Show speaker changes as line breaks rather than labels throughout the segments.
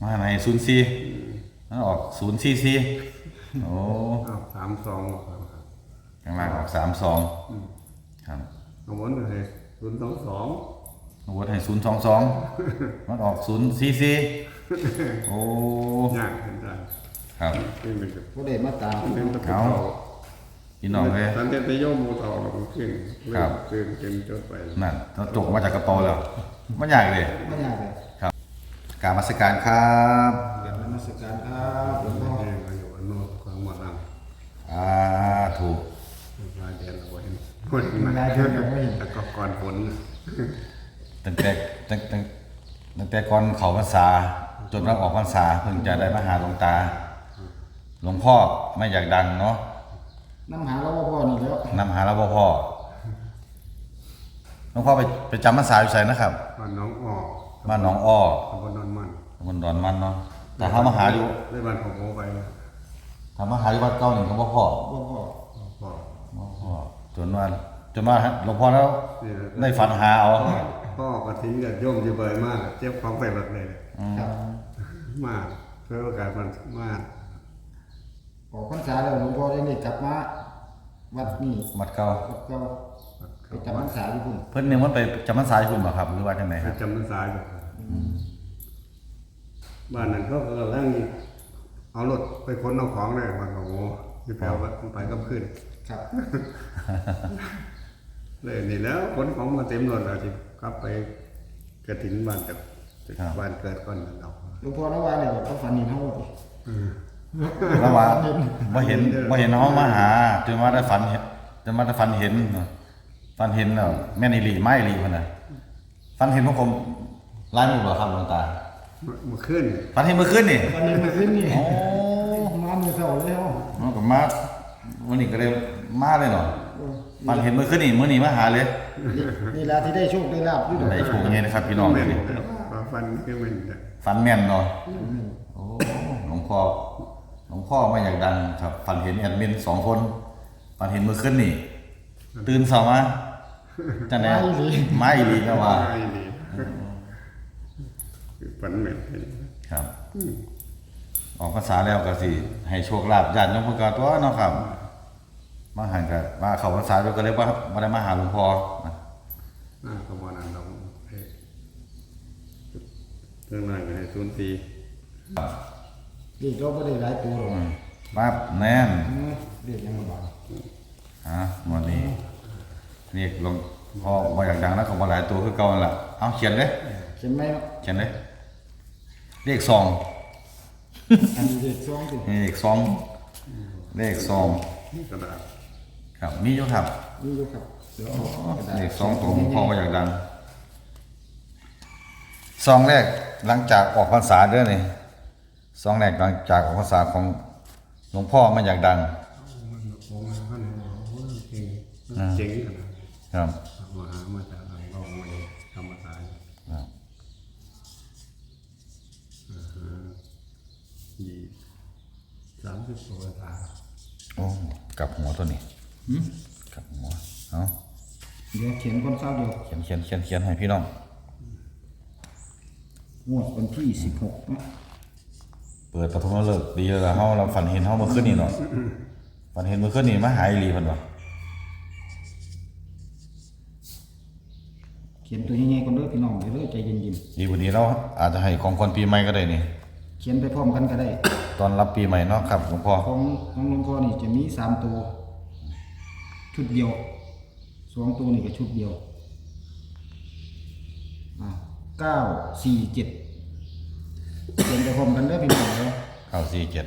มาไหน04มันออก044โอ้
32
ข้างล่างออก32ครับ
เอาวนเลย022
เอาวนให้022มันออก044โอ้
ยากเห็นได้
ครับ
เป็นเป็น
บ่ได้มาตาม
เป็นตะกุ่
พี่น้องเลย
ตอนเต้นไปโยมมูต่อเราขึ้นเริ่มเต็มจดไป
นั่นเราจกมาจากกระเป๋าแล้วมันยากเลย
บ่ยากเลย
ครับกรารมาสการครับ
กราบนมัสการครับหลวงพ่อ
เองมาอยู่อนโนดความหมดลัง
ถูก
รายเดือนเราเห็นคนมาแต่ก็ก่อนฝน
ตั้งแต่ก่อนเขาพรรษาจนเราออกพรรษาเพิ่งจะได้มาหาหลวงตาหลวงพ่อไม่อยากดังเนาะ
น้ำหาเราบ่พอนี่แล้ว
นำหาเราพ่อหลวงพ่อไปจำพรรษาอยู่ไสนะครับ
บ้านน้องออก
บ้านหนองอ้อ
ตำบลนนมัน
ตำบลดอนมันเนาะแต่ถ้ามาหาอยู่
ได้บ้านของโมไป
ถ้ามาหาอยู่วัดเก่านี่ก็บ่พ่อ
บ่พอ
พ่อ
บ่พ่อจนว่าหลวงพ่อแล้วได้ฝันหาเอา
พ่อก็ทิ้งกับโยมอยู่เบยมากเจ็บความไปแบบเลย
ครับ
มากเพื่อโอกาสมันมาก
ออกพรรษาแล้วหลวงพ่อได้กลับมาวัดนี่
วัดเก่า
วัดเก่าไปจำพรรษาอยู่พุ่น
เพิ่นนึงมันไปจำพรรษาอยู่พุ่นบ่ครับหรือว่าจังไดครับ
จำพรรษาอยู่บ้านนั้นเขาก็กำลังเอารถไปขนเอาของเลยวันของโมที่แปลว่าไปก็ขึ้น
ครับ
เลยนี่แล้วขนของมาเต็มรถแล้วที่กลับไปกระถิ่นบ้านจากบ้านเกิดก่อนนั่นดอก
หลวงพ่อระว่าเนี่ยเขาฝันเห็นเฮาบ่
แล้วว่าบ่เห็นเฮามาหาจนว่าได้ฝันเห็นจนว่าได้ฝันเห็นเนาะฝันเห็นแล้วแม่นอีหลีไม้อีหลีพุ่นน่ะฝันเห็นพวกผมหลายมื้อบ่ครับหลวงตา
มาขึ้น
ฝันเห็นเมื่อคืนนี่
วันนี้มาขึ้นนี่
โอ้
มามื้อเช้าเลยเฮา
มันก็มาวันนี้ก็เลยมาเลยเนาะฝันเห็นเมื่อคืนนี่มื้อนี้มาหาเลย
นี่ล่ะที่ได้โชคได้ลาภอยู่ดอก
ได้โชคไงนะครับพี่น้อง
แม่
เดี๋ย
น
วนี้
ฟันคือมัน
ฝันแม่นเนาะโอ้หลวงพ่อไม่อยากดังครับฝันเห็นแอดมิน2คนฝันเห็นเมื่อคืนนี่ตื่นเช้ามาจังได๋มาอีหลีก็ว่า
ไม่ดีฝันเหม็น
ครับออกภาษาแล้วก็สิให้โชคลาภญาติโยมเพิ่นก็ตัวเนาะครับมาหันก็ว่าเข้าภาษาแล้วก็เลยว่าบ่ได้มาหาหลวงพ่อนะ
ขบวนนั้นเราเรื่องนั้นให้ศูนย์ปี
นี่เราบ่ได้หลายตัวหรอก
ปั๊บแน่น
เรียกยังบ่บาด
วันนี้เรียกหลวงพ่อบ่อยากดังแล้วก็บ่หลายตัวคือเก่านั่นล่ะเอาเขียนเลย
เขียนไหมเนาะ
เขียนเลยเลข2
อันนี้เลข2ติ
เลข2เลข2
กระดาษ
ครับมีอยู่ครับ
นี่อยู่ครับเดี๋ยวเอากระดาษ
เลข2ตัวของพ่อบ่อยากดังซองแรกหลังจากออกพรรษาเด้อนี่ซองแรกหลังจากออกพรรษาของหลวงพ่อไม่อยากดัง
เจ๋ง
ครับ
มาหามาจากหลังกองมาธรรมศาสตร์30 ตัวตา
โอ้กลับหัวตัวนี้กลับหัวเอา
เดี๋ยวเขียนคนเศร้าเดียว
เขียนให้พี่น้อง
งวดวันที่16นะ
เปิดปฐมฤกษ์ดีแล้วเฮาเราฝันเห็นเฮาเมื่อคืนนี้เนาะฝันเห็นเมื่อคืนนี้มาหาอีหลีเพิ่นว่า
เขียนตัวใหญ่ๆก่อนเด้อพี่น้องเดี๋ยวเด้อใจเย็น
ดีกว่านี้เราอาจจะให้ของขวัญปีใหม่ก็ได้นี่
ๆเขียนไปพร้อมกันก็ได้
ตอนรับปีใหม่เนาะครับหลวงพ่อ
ของหลวงพ่อนี่จะมี3ตัวชุดเดียว2ตัวนี่ก็ชุดเดียว947เขียนไปพร้อมกันเด้อพี่น้องเด้อ
947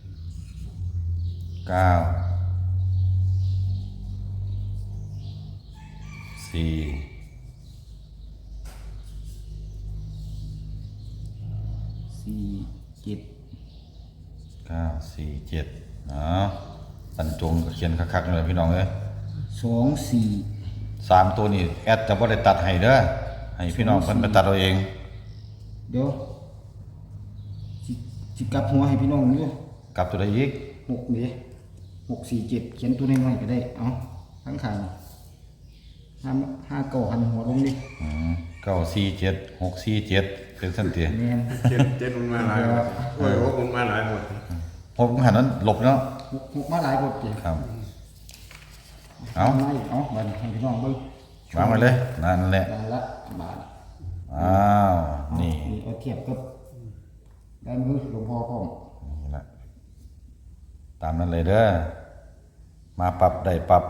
9 4
47
947ตันจงก็เขียนคักๆเลยพี่น้องเอ้ย
24
3ตัวนี้แอดจะบ่ได้ตัดให้เด้อให้พี่น้องเพิ่นไปตัดเอาเอง
เดี๋ยวสิกลับหัวให้พี่น้องอยู่
กลับตัวใดอีก
6นี่647เขียนตัวน้อยๆก็ได้เอาทั้งข้าง5 9หันหัวลงดิ
947 647 เป็นสั้นเตีย
แม่น
เจ็ดมันมาหลายหมดโอ้ยโอ้มันมาหลายหมด
หกหันนั้นหลบเนาะ
หกมาหลายบทเจ็
ครับ เอา
ไม่เอาบัดให้พี่น้องเบิ่ง
วางไว้เลยนั่นแหละ
จานละบาท
อ้าว นี่
เอาเทียบกับได้มือหลวงพ่อพร้อม
นี่แหละตามนั้นเลยเด้อ มาปรับได้ปรับ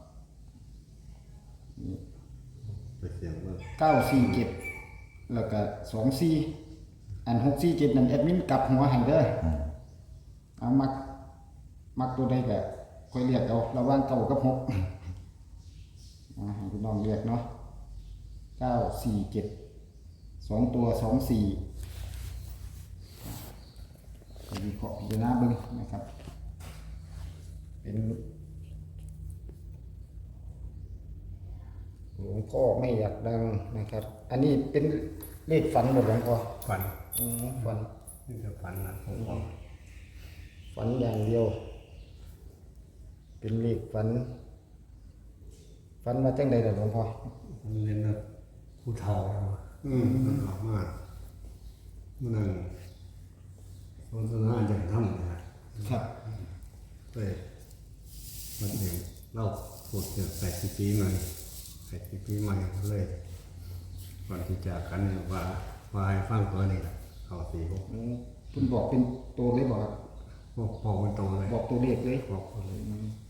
ไปเสียงว่า
947แล้วก็24อัน647นั่นแอดมินกลับหัวให้เด้อเอามักตัวใดก็ค่อยเรียกเอาระหว่าง9กับ6ให้พี่น้องเรียกเนาะ947 2ตัว24ก็วิเคราะห์พิจารณาเบิ่งนะครับ เป็นหลวงพ่อไม่อยากดังนะครับ อันนี้เป็นเลขฝันหมดหลวงพ่อ
ฝัน
ฝัน
นี่จะฝันนะผมบอก
ฝันอย่างเดียว เป็นเลขฝันมาจังใดล่ะหลวงพ่อ
มันเล่นนะผู้เฒ่ามันออกมามันนั่งสนทนาอย่างทำนะครับ เลยมันเองเล่าพูดถึง80 ปีใหม่80 ปีใหม่เลยก่อนที่จากกันเนี่ยว่าให้ฟังตัวนี้แหละเอา46
คุณบอกเป็นตัวเลยบอกครับ
บอกเป็นตัวเลย
บอกตัวเลขเลย
บอกตัวเลย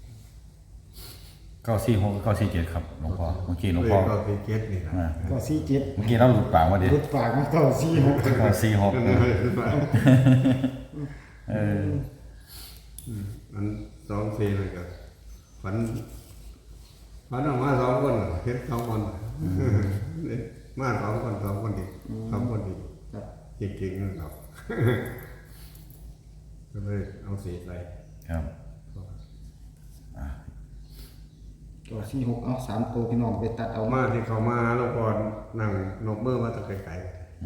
946 947ครับหลวงพ่อ เมื่อกี้หลวง
เลย
พ่อ
ก็เป็นเกตนี่นะ
ก็47
เมื่อกี้เราหลุดปากมาดิ
รุดปากมา946
946เออ
มัน2-4เลยก็ฝันออกมา2 คนเฮ็ด2 คนมา2 คน2 คนอีก2 คนอีก
ครับ
จริงๆนะครับ ก็เลยเอาสีใส่
ครับ
ก็46เอา3ตัวพี่น้องไปตัดเอา
มาที่เขามาแล้วก่อนนั่งนกเมื่อมาตะไกล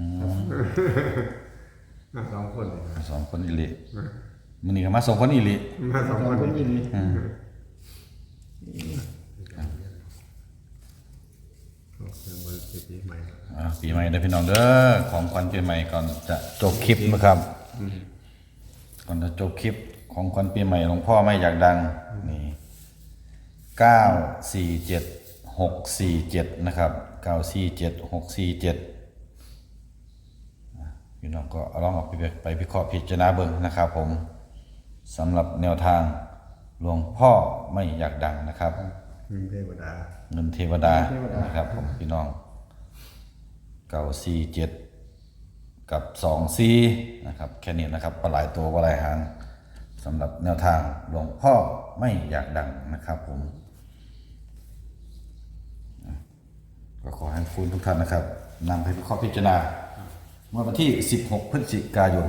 ๆ2 คนนี่นะ
สองคนอิลิมันนี่ก็มาสองคนอิลิ
มา2 คน
คน
นี่
นี้
เป็นวันปีใหม่
ปีใหม่ได้อพี่น้องเด้อ ของขวัญปีใหม่ก่อนจะจบคลิปนะครับ ก่อนจะจบคลิปของขวัญปีใหม่หลวงพ่อไม่อยากดัง นี่947-647นะครับ947-647พี่น้องก็เอาลองเอาไปวิเคราะห์พิจารณาเบิ่งนะครับผมสำหรับแนวทางหลวงพ่อไม่อยากดังนะครับ
มีเทวดา
เงินเทวดานะครับผมพี่น้อง947กับ24นะครับแค่นี้นะครับปลาหลายตัวปลาหลายหางสำหรับแนวทางหลวงพ่อไม่อยากดังนะครับผมก็ขอให้คุณทุกท่านนะครับนำไปวิเคราะห์พิจารณาเมื่อวันที่16 พฤศจิกายน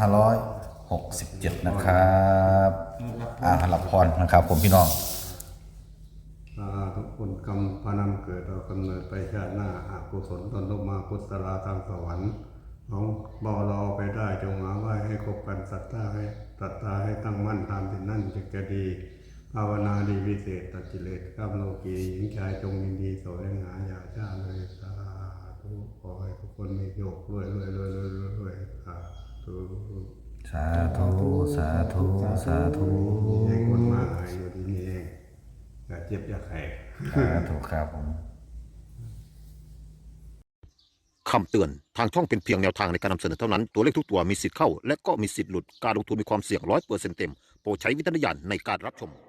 2567นะครับรับพรนะครับผมพี่น้อง
ทุกคนกรรมพานำเกิดเรากำเนิดไปชาติหน้าอากุศลตนลงมากุศลาทางสวรรค์น้องบ่รอไปได้จงหาไหว้ให้ครบกันศรัทธาให้ตั้งมั่นตามที่นั่นจะดีภาวนาดีวิเศษตัดกิเลสข้ามโลกีหญิงชายจงยินดีแสวงหาอยากชาเลยสาธุขอให้ทุกคนมีโยกรวยสาธุ
สาธุสาธุสาธุ
ให้คนมาหายอยู่ที่นี่เองอย่าเจ็บอย่าแขก
สาธุครับผม
คำเตือน ทางช่องเป็นเพียงแนวทางในการนำเสนอเท่านั้น ตัวเลขทุกตัวมีสิทธิ์เข้า และก็มีสิทธิ์หลุด การลงทุนมีความเสี่ยง100%เต็ม โปรดใช้วิจารณญาณในการรับชม